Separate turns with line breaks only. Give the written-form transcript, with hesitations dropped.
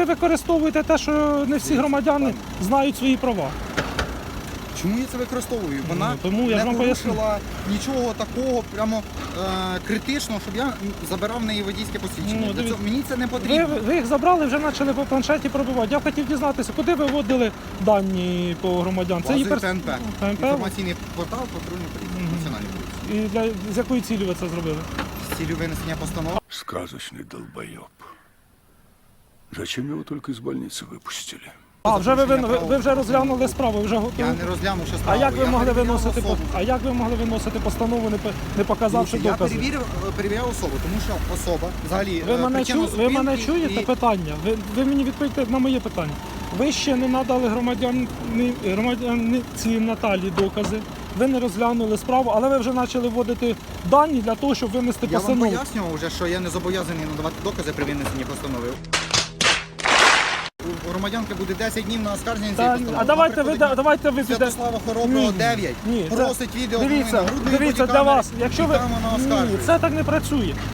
ви використовуєте те, що не всі громадяни знають свої права.
Чому я це використовую? Вона
тому я
не
ж вам
порушила нічого такого прямо критичного, щоб я забирав в неї водійське посвідчення.
Ну,
Мені це не потрібно.
Ви їх забрали, вже почали по планшеті пробивати. Я хотів дізнатися, куди ви вводили дані по громадян? Це
Базою
її
ТНП. Інформаційний портал патрульної поліції, національної поліції.
І з якої цілі ви це зробили?
З цілею винесення постанови.
Сказочный долбоеб. Зачем его только из больницы выпустили?
А, вже ви вже розглянули справу, вже готові?
Я не розглянув ще справу.
А як ви
Я
могли
перевіряв
виносити
особу.
постанову, не показавши
Я
докази?
перевіряв особу, тому що особа взагалі
Ви мене чуєте питання? Ви мені відповідьте на моє питання. Ви ще не надали громадянці Наталі докази, ви не розглянули справу, але ви вже почали вводити дані для того, щоб винести
Я вам
постанову.
пояснював вже, що я не зобов'язаний надавати докази при винесенні постанови. У громадянки буде 10 днів на оскарження цієї постанови.
А давайте ви підете.
Святослава Хороброго 9.
Ні,
Просить відео
дивіться
нагрудної
для
бодікамери.
вас. Якщо ви
і там вона
ні,
оскаржує.
це так не працює.